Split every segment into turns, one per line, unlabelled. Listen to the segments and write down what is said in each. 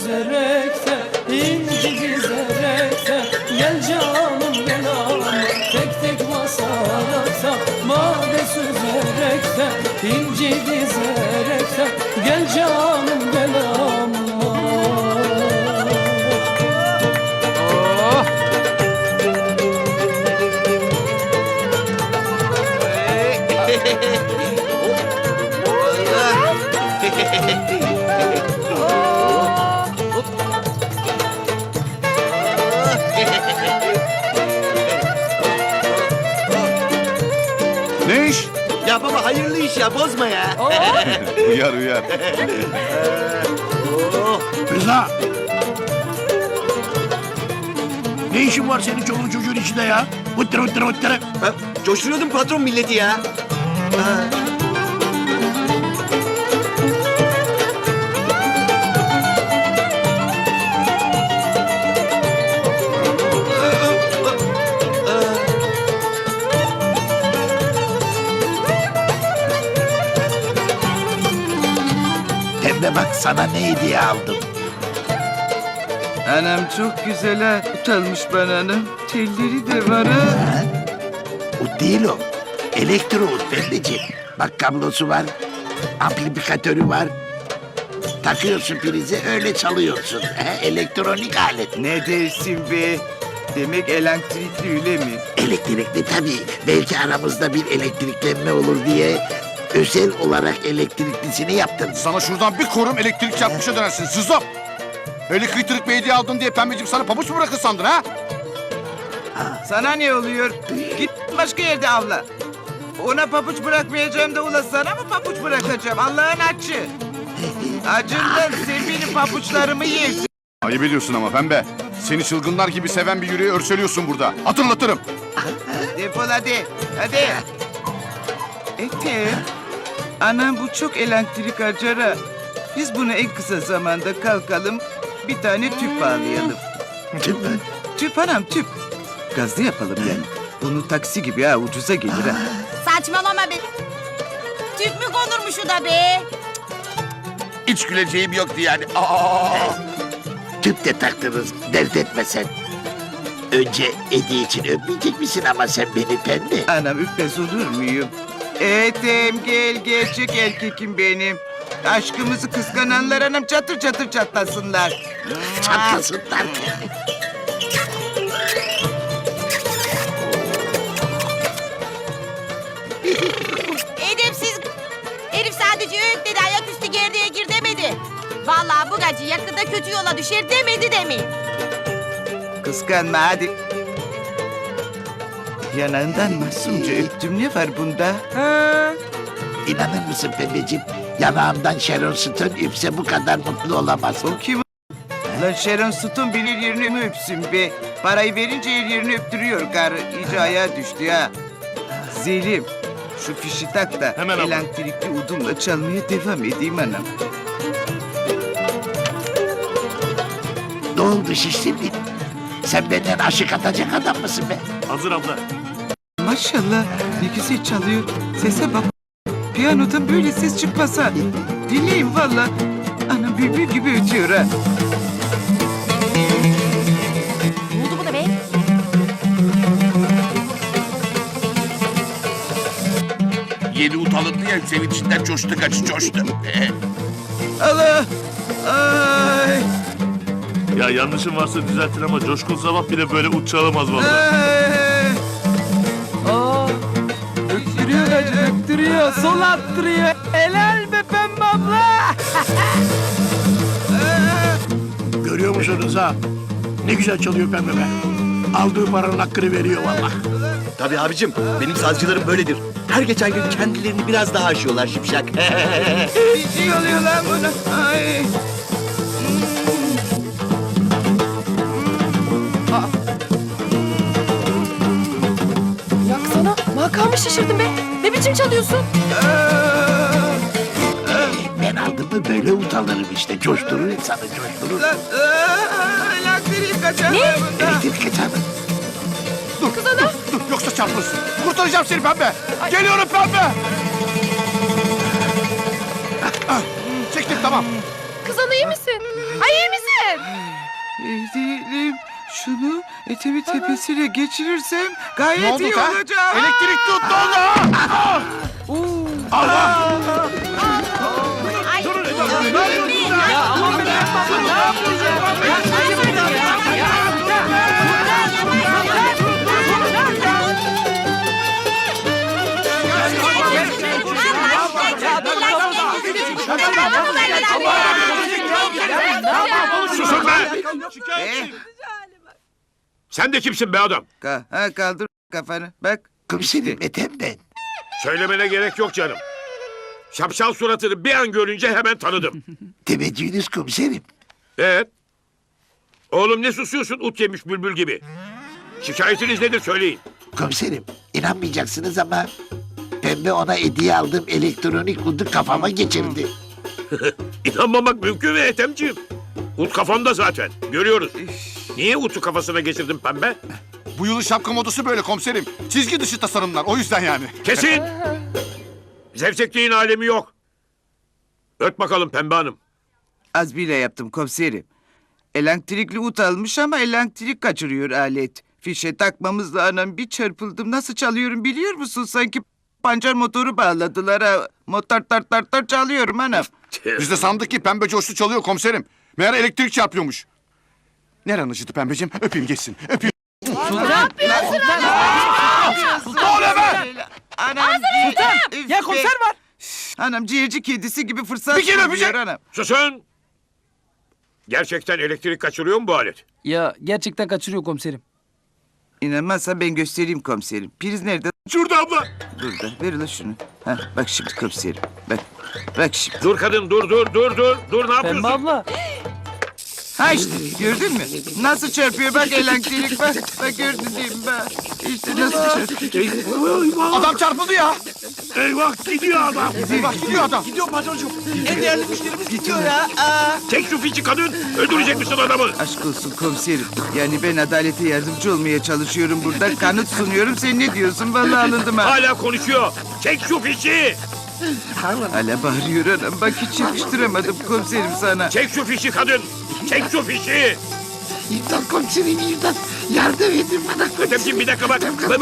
süzerekten, inci dizerekten, gel canım gel ama tek tek masalata. Made süzerekten, inci dizerekten, gel canım gel ama.
Ne iş?
Ya baba hayırlı iş ya, bozma ya.
Uyar uyar.
Rıza! Ne işin var senin çoluğun çocuğun içinde ya? Hıttırı hıttırı hıttırı.
Ben coşturuyordum patron milleti ya.
Pembe bak sana ne hediye aldım.
Anam çok güzel ha. Utanmış bana anam. Telleri de var ha.
Ut değil o. Elektro ut pembeciğim. Bak kablosu var. Amplifikatörü var. Takıyorsun prize öyle çalıyorsun. Elektronik alet.
Ne dersin be? Demek elektrikli öyle mi?
Elektrikli tabii. Belki aramızda bir elektriklenme olur diye özel olarak elektriklisini yaptım.
Sana şuradan bir korum elektrik çarpmışa dönersin zızop. Öyle kıytırık bir hediye aldım diye pembeciğim sana pabuç mu bırakır sandın ha?
Sana ne oluyor? Git başka yerde avla. Ona papuç bırakmayacağım da ula sana mı papuç bırakacağım? Allah'ın açı. Acından sen benim papuçlarımı yersin.
Ayıp ediyorsun ama pembe. Seni çılgınlar gibi seven bir yüreği örseliyorsun burada. Hatırlatırım.
Defol hadi. Hadi. Ethem. Anam bu çok elektrik harcar ha. Biz bunu en kısa zamanda kalkalım. Bir tane tüp bağlayalım.
Tüp mü?
Tüp anam tüp. Gazlı yapalım yani. Bunu taksi gibi ha ucuza gelir ha.
Saçmalama be. Tüp mü konurmuş o da be?
Hiç güleceğim yoktu yani.
Tüp de taktınız. Dert etme sen. Önce hediye için öpmeyecek misin ama sen beni pembe?
Anam öpmez olur muyum? Ethem gel gerçek erkekim benim. Aşkımızı kıskananlar anam çatır çatır çatlasınlar.
Çatlasınlar.
Edepsiz. Herif sadece öğüt dedi, ayaküstü gerdeğe gir demedi. Vallahi bu gacı yakında kötü yola düşer demedi demeyin.
Kıskanma hadi. Yanağından masumca öptüm ne var bunda?
İnanır mısın pembeciğim? Yanağımdan Sharon Stone öpse bu kadar mutlu olamaz.
O kim? Lan Sharon Stone bilir yerini mi öpsün be? Parayı verince her yerini öptürüyor karı. İyice ayağa düştü ha. Zelim, şu fişi tak da
Hemen abla.
elektrikli udumla çalmaya devam edeyim anam.
Ne oldu şişsin? Sen benden aşık atacak adam mısın be?
Hazır abla.
Maşallah ne güzel çalıyor. Sese bak. Piyanodan böyle ses çıkmasa. Dinleyin valla. Anam bülbül gibi ötüyor ha.
Ne oldu buna be?
Yeni ut alındı ya sevinçinden coştu kaçı coştu.
Allah! Ay!
Ya yanlışım varsa düzeltin ama Coşkun Sabah bile böyle uç çalamaz vallahi.
Ay!
Aa, öttürüyor gacı, öttürüyor, sol attırıyor. Helal be pembe abla.
Görüyor musun Rıza? Ne güzel çalıyor pembe be. Aldığı paranın hakkını veriyor vallahi.
Tabii abicim, benim sazcılarım böyledir. Her geçen gün kendilerini biraz daha aşıyorlar şipşak.
Bir şey oluyor lan buna. Ay!
Yaksana. Makamı şaşırdım be. Ne biçim çalıyorsun?
Ben aldım mı böyle utanırım işte. Coşturur insanı coşturur.
Lan! Elektriği kaçar
Ne?
bunda.
Elektrik kaçar.
Dur yoksa çarpılırsın. Kurtaracağım seni pembe. Geliyorum pembe. Çektim tamam.
Kız ana iyi misin? Ay iyi misin?
değilsin.
Değilim. Şunu etemin tepesine geçirirsem
Ne
gayet
oldu
iyi
ha?
olacak.
Elektrik tuttu oldu. Allah!
Ay,
Ya aman be Pembe abla ne yapacağım? Ya ayıp ya.
Susun be! Sen de kimsin be adam?
Kaldır kafanı. Bak.
Komiserim Ethem ben.
Söylemene gerek yok canım. Şapşal suratını bir an görünce hemen tanıdım.
Teveccühünüz komiserim.
Evet. Oğlum ne susuyorsun ut yemiş bülbül gibi? Şikayetiniz nedir söyleyin.
Komiserim inanmayacaksınız ama Pembe ona hediye aldığım elektronik udu kafama geçirdi.
İnanmamak mümkün mü Ethemciğim? Ut kafanda zaten. Görüyoruz. Niye utu kafasına geçirdin pembe?
Bu yılın şapka modası böyle komiserim. Çizgi dışı tasarımlar o yüzden yani.
Kesin! Zevzekliğin alemi yok. Öt bakalım pembe hanım.
Az bile yaptım komiserim. Elektrikli ut almış ama elektrik kaçırıyor alet. Fişe takmamızla anam bir çarpıldım. Nasıl çalıyorum biliyor musun? Sanki pancar motoru bağladılar ha. Motor tar çalıyorum anam.
Biz de sandık ki pembe coştu çalıyor komiserim. Meğer elektrik çarpıyormuş. Neren acıdı pembeciğim? Öpeyim geçsin. Öpeyim.
Ne oluyor be? Anam.
Ya konser var.
Anam ciğerci kedisi gibi fırsat
Bir kere
buluyor
öpecek.
anam.
Susun! Gerçekten elektrik kaçırıyor mu bu alet?
Ya gerçekten kaçırıyor komiserim.
İnanmazsan ben göstereyim komiserim. Priz nerede?
Şurada abla.
Burada. Ver ulan şunu. Ha, bak şimdi komiserim. Bak. Bak şimdi.
Dur kadın dur. Dur ne yapıyorsun?
Pembe abla.
Ha işte gördün mü? Nasıl çarpıyor bak elektrik bak. Bak gördün değil mi bak. İşte nasıl çarpıyor.
Adam çarpıldı ya.
Eyvah gidiyor adam.
Eyvah gidiyor adam.
Çek şu fişi kadın. Öldürecek misin adamı?
Aşk olsun komiserim. Yani ben adalete yardımcı olmaya çalışıyorum burada. Kanıt sunuyorum. Sen ne diyorsun? Vallahi alındım ha.
Hala konuşuyor. Çek şu fişi.
Hala bağırıyor anam. Bak hiç yakıştıramadım komiserim sana.
Çek şu fişi kadın. Çek şu fişi.
İmdat komiserim imdat. Yardım edin bana.
Ötemciğim bir dakika bak.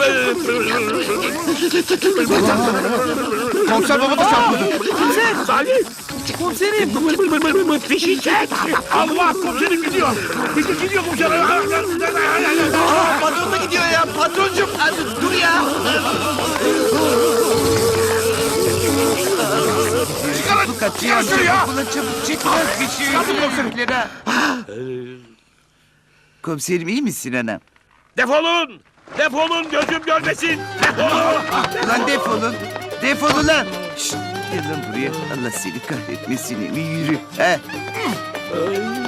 Komiser baba da çarpıldı.
Salih.
Komiserim.
Fişi çek. Allah komiserim gidiyor. Fişi gidiyor komiserim.
Patron da gidiyor ya. Patroncum. Dur ya. Bu kaçıyor.
Çıkar şunu ya.
Ulan çabuk çıkmaz bir şey. Komiserim. Komiserim iyi misin anam?
Defolun. Defolun gözüm görmesin. Defolun.
Ulan defolun. Defolun lan. Şşt, gel lan buraya. Allah seni kahretmesin. Yürü. He.